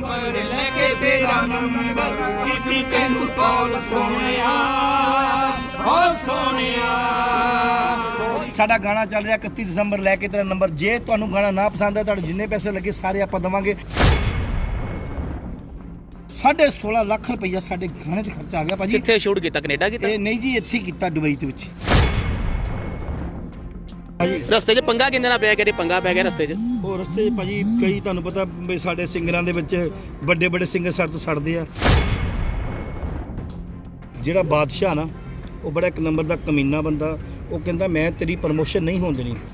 Number ਲੈ ਕੇ ਤੇਰਾ number ਕੀਤੀ ਤੈਨੂੰ ਕਾਲ ਸੋਹਣਿਆ ਓ ਸੋਹਣਿਆ। ਸਾਡਾ ਗਾਣਾ ਚੱਲ ਰਿਹਾ 31 ਦਸੰਬਰ ਲੈ ਕੇ ਤੇਰਾ ਨੰਬਰ। ਜੇ ਤੁਹਾਨੂੰ ਗਾਣਾ ਨਾ ਪਸੰਦ ਹੈ, ਤੁਹਾਡੇ ਜਿੰਨੇ ਪੈਸੇ ਲੱਗੇ ਸਾਰੇ ਆਪਾਂ ਦੇਵਾਂਗੇ। 16.5 ਲੱਖ ਰੁਪਈਆ ਸਾਡੇ ਗਾਣੇ 'ਤੇ ਖਰਚਾ ਆ ਗਿਆ ਭਾਜੀ। ਕਿੱਥੇ ਸ਼ੂਟ ਕੀਤਾ? ਕੈਨੇਡਾ ਕੀਤਾ? ਇਹ ਨਹੀਂ ਜੀ, ਇੱਥੇ ਹੀ ਕੀਤਾ, ਦੁਬਈ ਦੇ ਵਿੱਚ। ਰਸਤੇ 'ਚ ਪੰਗਾ ਕਿੰਨੇ ਨਾਲ ਪਿਆ? ਕਿਹੜੇ ਪੰਗਾ ਪੈ ਗਿਆ ਰਸਤੇ 'ਚ? ਉਹ ਰਸਤੇ 'ਚ ਭਾਜੀ ਕਈ ਤੁਹਾਨੂੰ ਪਤਾ ਵੀ ਸਾਡੇ ਸਿੰਗਰਾਂ ਦੇ ਵਿੱਚ ਵੱਡੇ ਵੱਡੇ ਸਿੰਗਰ ਸਾਡੇ ਤੋਂ ਛੱਡਦੇ ਆ। ਜਿਹੜਾ ਬਾਦਸ਼ਾਹ ਨਾ, ਉਹ ਬੜਾ ਇੱਕ ਨੰਬਰ ਦਾ ਕਮੀਨਾ ਬੰਦਾ। ਉਹ ਕਹਿੰਦਾ ਮੈਂ ਤੇਰੀ ਪ੍ਰਮੋਸ਼ਨ ਨਹੀਂ ਹੋਣ ਦੇਣੀ।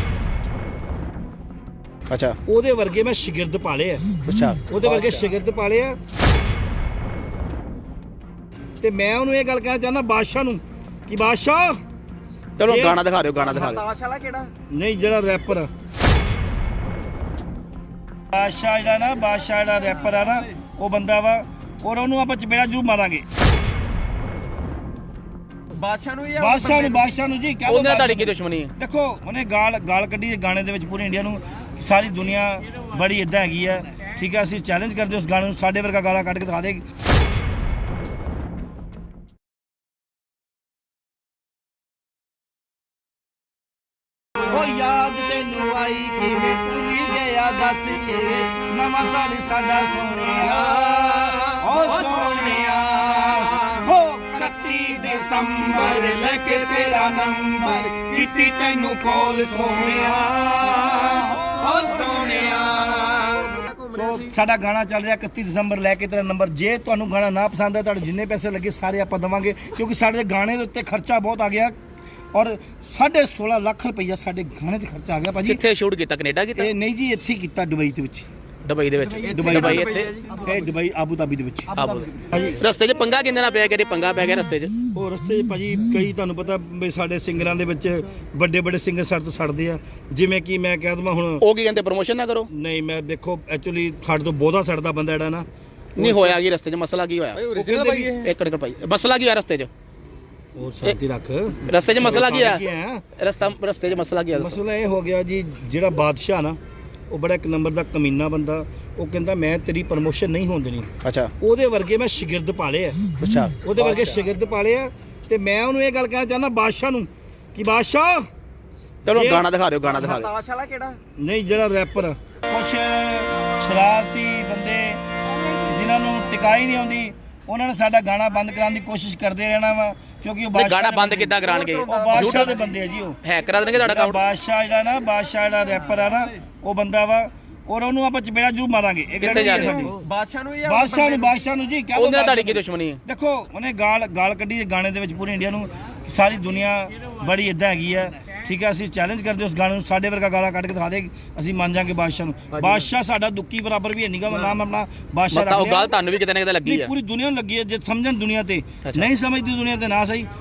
ਅੱਛਾ, ਉਹਦੇ ਵਰਗੇ ਮੈਂ ਸ਼ਾਗਿਰਦ ਪਾਲੇ ਆ। ਅੱਛਾ, ਉਹਦੇ ਵਰਗੇ ਸ਼ਾਗਿਰਦ ਪਾਲੇ ਆ। ਤੇ ਮੈਂ ਉਹਨੂੰ ਇਹ ਗੱਲ ਕਹਿਣਾ ਚਾਹੁੰਦਾ ਬਾਦਸ਼ਾਹ ਨੂੰ ਕਿ ਬਾਦਸ਼ਾਹ ਚਲੋ ਗਾਣਾ ਦਿਖਾ ਦਿਓ, ਗਾਣਾ ਦਿਖਾ ਦਿਓ। ਤਾਸ਼ ਵਾਲਾ ਕਿਹੜਾ? ਨਹੀਂ, ਜਿਹੜਾ ਰੈਪਰ ਆ ਬਾਦਸ਼ਾਹ, ਜਿਹੜਾ ਨਾ ਬਾਦਸ਼ਾਹ ਜਿਹੜਾ ਰੈਪਰ ਆ ਨਾ, ਉਹ ਬੰਦਾ ਵਾ। ਔਰ ਉਹਨੂੰ ਆਪਾਂ ਚਪੇੜਾ ਜ਼ਰੂਰ ਮਾਰਾਂਗੇ। ਬਾਦਸ਼ਾਹ ਨੂੰ ਜਾਂ ਬਾਦਸ਼ਾਹ ਨੂੰ ਜੀ ਕਿਆ ਉਹਨੇ ਤੁਹਾਡੀ ਕੀ ਦੁਸ਼ਮਣੀ ਹੈ? ਦੇਖੋ, ਉਹਨੇ ਗਾਲ ਕੱਢੀ ਗਾਣੇ ਦੇ ਵਿੱਚ ਪੂਰੀ ਇੰਡੀਆ ਨੂੰ, ਸਾਰੀ ਦੁਨੀਆ ਬੜੀ ਇਦਾਂ ਹੈਗੀ ਆ। ਠੀਕ ਹੈ, ਅਸੀਂ ਚੈਲੰਜ ਕਰਦੇ ਉਸ ਗਾਣੇ ਨੂੰ, ਸਾਡੇ ਵਰਗਾ ਗਾਲਾਂ ਕੱਢ ਕੇ ਦਿਖਾ ਦੇ। ਉਹ ਯਾਦ ਤੈਨੂੰ ਆਈ ਕਿਵੇਂ ਭੁੱਲੀ ਗਿਆ ਦੱਸੀਏ, ਨਵਾਂ ਸਾਲ ਸਾਡਾ ਸੋਹਣਿਆ ਓ ਸੋਹਣਿਆ। ਹੋ 31 ਦਸੰਬਰ ਲੈ ਕੇ ਤੇਰਾ ਨੰਬਰ ਕੀਤੀ ਤੈਨੂੰ ਕਾਲ ਸੋਹਣਿਆ ਓ ਸੋਹਣਿਆ। ਸੋ ਸਾਡਾ ਗਾਣਾ ਚੱਲ ਰਿਹਾ 31 ਦਸੰਬਰ ਲੈ ਕੇ ਤੇਰਾ ਨੰਬਰ। ਜੇ ਤੁਹਾਨੂੰ ਗਾਣਾ ਨਾ ਪਸੰਦ ਹੈ, ਤੁਹਾਡੇ ਜਿੰਨੇ ਪੈਸੇ ਲੱਗੇ ਸਾਰੇ ਆਪਾਂ ਦੇਵਾਂਗੇ, ਕਿਉਂਕਿ ਸਾਡੇ ਗਾਣੇ ਦੇ ਉੱਤੇ ਖਰਚਾ ਬਹੁਤ ਆ ਗਿਆ। ਔਰ 16.5 ਲੱਖ ਰੁਪਈਆ ਸਾਡੇ ਗਾਣੇ 'ਤੇ ਖਰਚਾ ਆ ਗਿਆ ਭਾਜੀ। ਕਿੱਥੇ ਸ਼ੂਟ ਕੀਤਾ? ਕੈਨੇਡਾ ਕੀਤਾ? ਇਹ ਨਹੀਂ ਜੀ, ਇੱਥੇ ਹੀ ਕੀਤਾ, ਦੁਬਈ ਦੇ ਵਿੱਚ। ਦੁਬਈ ਦੇ ਵਿੱਚ? ਦੁਬਈ ਇੱਥੇ? ਇਹ ਦੁਬਈ, ਆਬੂ ਧਾਬੀ ਦੇ ਵਿੱਚ। ਭਾਜੀ ਰਸਤੇ 'ਚ ਪੰਗਾ ਕਿੰਨੇ ਨਾਲ ਪਿਆ? ਕਿਹੜੇ ਪੰਗਾ ਪੈ ਗਿਆ ਰਸਤੇ 'ਚ? ਉਹ ਰਸਤੇ 'ਚ ਭਾਜੀ ਕਈ ਤੁਹਾਨੂੰ ਪਤਾ ਵੀ ਸਾਡੇ ਸਿੰਗਰਾਂ ਦੇ ਵਿੱਚ ਵੱਡੇ ਵੱਡੇ ਸਿੰਗਰ ਸਾਡੇ ਤੋਂ ਛੱਡਦੇ ਆ। ਜਿਵੇਂ ਕਿ ਮੈਂ ਕਹਿ ਦਵਾਂ ਹੁਣ, ਉਹ ਕੀ ਕਹਿੰਦੇ ਪ੍ਰਮੋਸ਼ਨ ਨਾ ਕਰੋ? ਨਹੀਂ, ਮੈਂ ਦੇਖੋ ਐਕਚੁਅਲੀ ਸਾਡੇ ਤੋਂ ਬਹੁਤਾ ਛੱਡਦਾ ਬੰਦਾ ਜਿਹੜਾ ਨਾ। ਨਹੀਂ ਹੋਇਆ ਕੀ ਰਸਤੇ 'ਚ? ਮਸਲਾ ਕੀ ਹੋਇਆ? ਇੱਕ ਮਿੰਟ ਭਾਈ, ਮਸਲਾ ਕੀ ਹੋਇਆ ਰਸਤੇ 'ਚ? ਉਹ ਸ਼ਾਂਤੀ ਰੱਖ। ਰਸਤੇ 'ਚ ਮਸਲਾ ਕੀ ਆ? ਰਸਤੇ 'ਚ ਮਸਲਾ ਕੀ ਆ? ਮਸਲਾ ਇਹ ਹੋ ਗਿਆ ਜੀ, ਜਿਹੜਾ ਬਾਦਸ਼ਾਹ ਨਾ, ਉਹ ਬੜਾ ਇੱਕ ਨੰਬਰ ਦਾ ਕਮੀਨਾ ਬੰਦਾ। ਉਹ ਕਹਿੰਦਾ ਮੈਂ ਤੇਰੀ ਪ੍ਰਮੋਸ਼ਨ ਨਹੀਂ ਹੋਣ ਦੇਣੀ। ਅੱਛਾ, ਉਹਦੇ ਵਰਗੇ ਮੈਂ ਸ਼ਾਗਿਰਦ ਪਾਲੇ ਆ। ਅੱਛਾ, ਉਹਦੇ ਵਰਗੇ ਸ਼ਾਗਿਰਦ ਪਾਲੇ ਆ। ਤੇ ਮੈਂ ਉਹਨੂੰ ਇਹ ਗੱਲ ਕਹਿਣਾ ਚਾਹੁੰਦਾ ਬਾਦਸ਼ਾਹ ਨੂੰ ਕਿ ਬਾਦਸ਼ਾਹ ਚਲੋ ਗਾਣਾ ਦਿਖਾ ਦਿਓ, ਗਾਣਾ ਦਿਖਾ ਦਿਓ। ਤਾਸ਼ ਵਾਲਾ ਕਿਹੜਾ? ਨਹੀਂ, ਜਿਹੜਾ ਰੈਪਰ ਆ। ਕੁਛ ਸ਼ਰਾਰਤੀ ਬੰਦੇ ਜਿਨ੍ਹਾਂ ਨੂੰ ਟਿਕਾਈ ਨਹੀਂ ਆਉਂਦੀ, ਉਹਨਾਂ ਨੇ ਸਾਡਾ ਗਾਣਾ ਬੰਦ ਕਰਾਉਣ ਦੀ ਕੋਸ਼ਿਸ਼ ਕਰਦੇ ਰਹਿਣਾ ਵਾ, ਕਿਉਂਕਿ ਉਹ ਗਾਣਾ ਬੰਦ ਕਿੱਦਾਂ ਕਰਾਣਗੇ? ਉਹ ਬਾਦਸ਼ਾਹ ਦੇ ਬੰਦੇ ਆ ਜੀ। ਉਹ ਹੈਕ ਕਰਾ ਦੇਣਗੇ ਤੁਹਾਡਾ ਅਕਾਊਂਟ। ਬਾਦਸ਼ਾਹ ਜਿਹੜਾ ਨਾ, ਬਾਦਸ਼ਾਹ ਜਿਹੜਾ ਰੈਪਰ ਆ ਨਾ, ਉਹ ਬੰਦਾ ਵਾ। ਔਰ ਉਹਨੂੰ ਆਪਾਂ ਚਪੇੜਾ ਜ਼ਰੂਰ ਮਾਰਾਂਗੇ। ਕਿੱਥੇ ਜਾ ਰਹੇ? ਬਾਦਸ਼ਾਹ ਨੂੰ ਜਾਂ ਬਾਦਸ਼ਾਹ ਨੂੰ ਜੀ ਕਿਆ ਉਹਨੇ ਤੁਹਾਡੀ ਕੀ ਦੁਸ਼ਮਣੀ ਹੈ? ਦੇਖੋ, ਉਹਨੇ ਗਾਲ ਕੱਢੀ ਗਾਣੇ ਦੇ ਵਿੱਚ ਪੂਰੀ ਇੰਡੀਆ ਨੂੰ, ਸਾਰੀ ਦੁਨੀਆ ਬੜੀ ਇਦਾਂ ਹੈਗੀ ਆ। ਠੀਕ ਹੈ, ਅਸੀਂ ਚੈਲੰਜ ਕਰਦੇ ਉਸ ਗਾਣੇ ਨੂੰ, ਸਾਡੇ ਵਰਗਾ ਗਾਲਾਂ ਕੱਢ ਕੇ ਦਿਖਾ ਦੇ, ਅਸੀਂ ਮੰਨ ਜਾਾਂਗੇ ਬਾਦਸ਼ਾਹ ਨੂੰ। ਬਾਦਸ਼ਾਹ ਸਾਡਾ ਦੁੱਕੀ ਬਰਾਬਰ ਵੀ ਹੈ ਨਹੀਂਗਾ। ਮੈਂ ਨਾਮ ਆਪਣਾ ਬਾਦਸ਼ਾਹ ਰੱਖ ਲਿਆ। ਉਹ ਗੱਲ ਤੁਹਾਨੂੰ ਵੀ ਕਿਤੇ ਨਾ ਕਿਤੇ ਲੱਗੀ ਹੈ। ਪੂਰੀ ਦੁਨੀਆ ਨੂੰ ਲੱਗੀ ਹੈ। ਜੇ ਸਮਝਣ ਦੁਨੀਆ ਤੇ, ਨਹੀਂ ਸਮਝਦੀ ਦੁਨੀਆ ਤੇ ਨਾ ਸਹੀ।